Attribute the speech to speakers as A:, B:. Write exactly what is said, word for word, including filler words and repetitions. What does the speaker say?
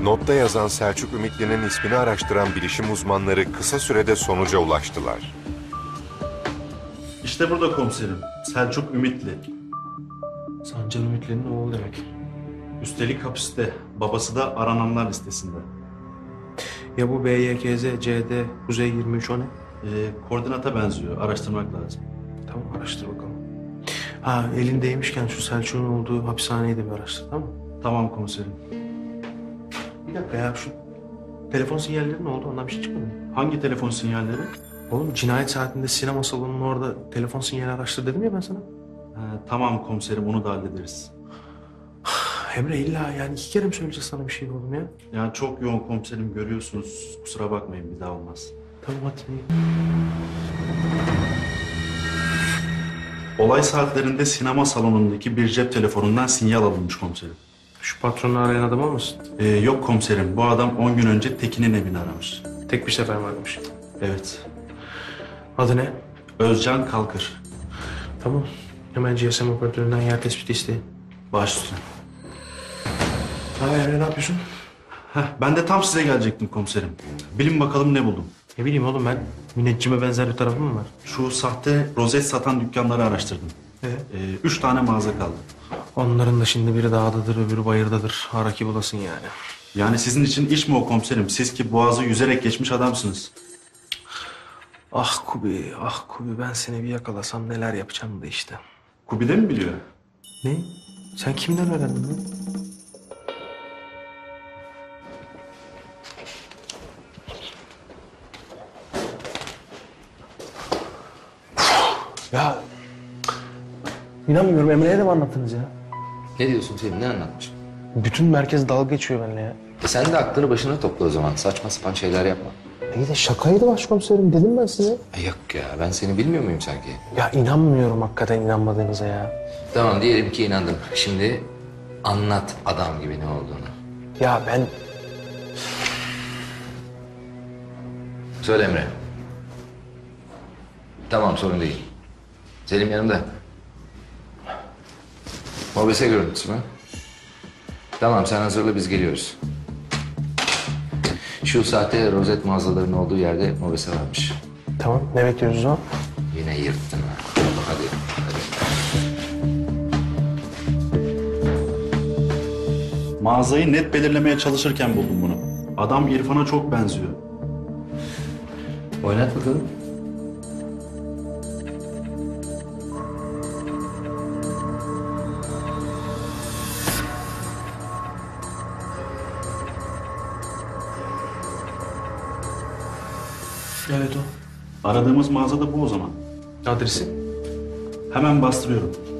A: Notta yazan Selçuk Ümitli'nin ismini araştıran bilişim uzmanları kısa sürede sonuca ulaştılar.
B: İşte burada komiserim. Selçuk Ümitli.
C: Sancar Ümitli'nin oğlu demek.
B: Üstelik hapiste. Babası da arananlar listesinde.
C: Ya bu B Y K Z, C D, Kuzey yirmi üç o ne?
B: Ee, koordinata benziyor. Araştırmak lazım.
C: Tamam, araştır bakalım. Ha, elindeymişken şu Selçuk'un olduğu hapishaneyi de bir araştır, tamam mı?
B: Tamam komiserim.
C: Bir dakika ya, şu telefon sinyalleri ne oldu? Ondan bir şey çıkmadı mı?
B: Hangi telefon sinyalleri?
C: Oğlum, cinayet saatinde sinema salonunun orada telefon sinyali araştır dedim ya ben sana.
B: Ha, tamam komiserim, onu da hallederiz.
C: Emre, illa yani iki kere mi söyleyeceğiz sana bir şey oğlum ya?
B: Yani çok yoğun komiserim, görüyorsunuz. Kusura bakmayın, bir daha olmaz.
C: Tamam, hadi.
B: Olay saatlerinde sinema salonundaki bir cep telefonundan sinyal alınmış komiserim.
C: Şu patronu arayan adam olmasın?
B: Ee, yok komiserim, bu adam on gün önce Tekin'in evini aramış.
C: Tek bir sefer mi aramış?
B: Evet.
C: Adı ne?
B: Özcan Kalkır.
C: Tamam. Hemen G S M operatöründen yer tespiti isteyin.
B: Baş üstüne.
C: Ha Emre, ne yapıyorsun?
B: Heh, ben de tam size gelecektim komiserim. Bilin bakalım ne buldum.
C: Ne bileyim oğlum ben. Müneccime benzer bir tarafım mı var?
B: Şu sahte rozet satan dükkanları araştırdım.
C: Ee?
B: Ee, üç tane mağaza kaldı.
C: Onların da şimdi biri dağdadır, öbürü bayırdadır. Haraki bulasın yani.
B: Yani sizin için iş mi o komiserim? Siz ki boğazı yüzerek geçmiş adamsınız.
C: Ah Kubi, ah Kubi, ben seni bir yakalasam neler yapacağım da işte.
B: Kubi de mi biliyor?
C: Ne? Sen kimden öğrendin lan? Ya inanmıyorum, Emre'ye de mi anlattınız ya?
D: Ne diyorsun Selim, ne anlatmış?
C: Bütün merkez dalga geçiyor benimle ya.
D: E sen de aklını başına topla o zaman. Saçma sapan şeyler yapma.
C: İyi de şakaydı başkomiserim, dedim ben size.
D: E yok ya, ben seni bilmiyor muyum sanki?
C: Ya inanmıyorum hakikaten inanmadığınıza ya.
D: Tamam, diyelim ki inandım. Şimdi anlat adam gibi ne olduğunu.
C: Ya ben...
D: Söyle Emre. Tamam, sorun değil. Selim yanımda. Mobese görüntüsü mü? Tamam, sen hazırla, biz geliyoruz. Şu sahte rozet mağazalarının olduğu yerde mobese varmış.
C: Tamam, ne bekliyoruz o zaman?
D: Yine yırttın ha. Hadi, hadi.
B: Mağazayı net belirlemeye çalışırken buldum bunu. Adam İrfan'a çok benziyor.
D: Oynat bakalım.
C: Evet o.
B: Aradığımız mağaza da bu o zaman.
C: Adresi?
B: Hemen bastırıyorum.